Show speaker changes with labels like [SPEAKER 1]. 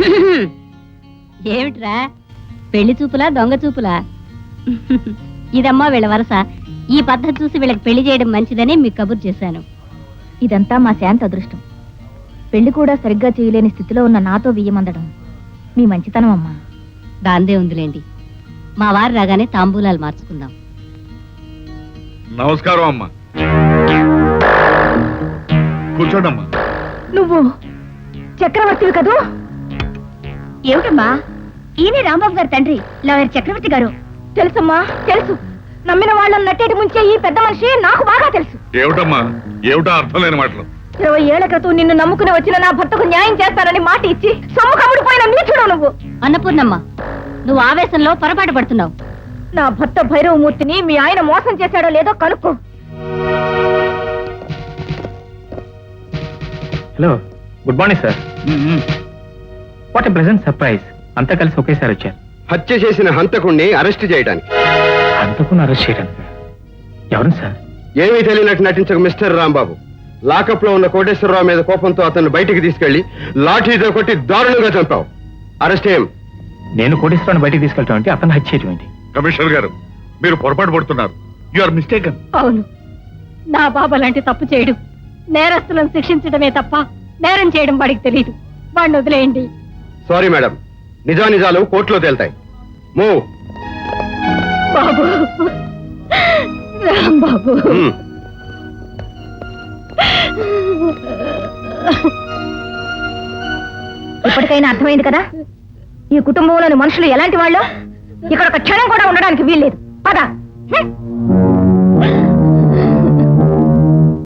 [SPEAKER 1] ఏమిట్రా పెళ్లి చూపులా దొంగ చూపులా? ఇదమ్మా వీళ్ళ వరస. ఈ పద్ధతి చూసి వీళ్ళకి పెళ్లి చేయడం మంచిదని మీకు కబురు చేశాను.
[SPEAKER 2] ఇదంతా మా శాంత అదృష్టం. పెళ్లి కూడా సరిగ్గా చేయలేని స్థితిలో ఉన్న నాతో బియ్యమందడం మీ మంచితనం అమ్మా.
[SPEAKER 1] దాందే ఉందిలేండి. మా వారు రాగానే తాంబూలాలు మార్చుకుందాం.
[SPEAKER 3] నమస్కారం అమ్మా. కూర్చోండమ్మా.
[SPEAKER 2] నువ్వు చక్రవర్తివి కదూ? ఏమిటమ్మా, ఈయనే రాంబాబు గారి తండ్రి, లాయర్ చక్రవర్తి గారు. తెలుసమ్మా, తెలుసు. నమ్మిన వాళ్ళని నట్టేటి ముంచే ఈ పెద్ద మనిషి నాకు బాగా తెలుసు.
[SPEAKER 3] ఏమిటమ్మా, ఏమిటో అర్థం లేని మాటలు.
[SPEAKER 2] 20 ఏళ్ల క్రితం నిన్ను నమ్ముకుని వచ్చిన నా భర్తకు న్యాయం చేస్తానని మాట ఇచ్చి సొమ్ము కమ్ముడిపోయిన నీచుడు నువ్వు.
[SPEAKER 1] అన్నపూర్ణమ్మ, నువ్వు ఆవేశంలో పొరపాటు పడుతున్నావు.
[SPEAKER 2] నా భర్త భైరవమూర్తిని మీ ఆయన మోసం చేశాడో లేదో కనుక్కో.
[SPEAKER 4] Hello, good morning sir. What a pleasant surprise. అంతా కలిసి ఒకేసారి వచ్చారు.
[SPEAKER 5] హత్య చేసిన హంతకుణ్ణి అరెస్ట్ చేయడానికి.
[SPEAKER 4] హంతకుని అరెస్ట్ చేయడానికి? ఎవరు సార్?
[SPEAKER 5] ఏమీ తెలియనట్టు నటించక మిస్టర్ రాంబాబు. లాకప్ లో ఉన్న కోటేశ్వరరావు మీద కోపంతో అతన్ని బయటికి తీసుకెళ్లి లాఠీతో కొట్టి దారుణంగా చంపావు. అరెస్ట్ ఏం?
[SPEAKER 4] నేను కోటేశ్వరాన్ని బయటికి తీసుకెళ్ళటం అంటే అతను హత్య చేయటం ఏంటి?
[SPEAKER 3] కమిషనర్ గారు, మీరు పొరపాటు పడుతున్నారు. You are mistaken.
[SPEAKER 1] అవును, నా బాబా లాంటి తప్పు చేయడు. నేరస్తులను శిక్షించడమే తప్ప నేరం చేయడం వాడికి తెలియదు. వాడిని వదిలేయండి.
[SPEAKER 5] సారీ మేడం, నిజానిజాలు కోర్టులో తేల్తాయి. మూవ్.
[SPEAKER 1] బాబు, రాంబాబు.
[SPEAKER 2] ఇప్పటికైనా అర్థమైంది కదా ఈ కుటుంబంలోని మనుషులు ఎలాంటి వాళ్ళు. ఇక్కడ ఒక క్షణం కూడా ఉండడానికి వీల్లేదు. పద.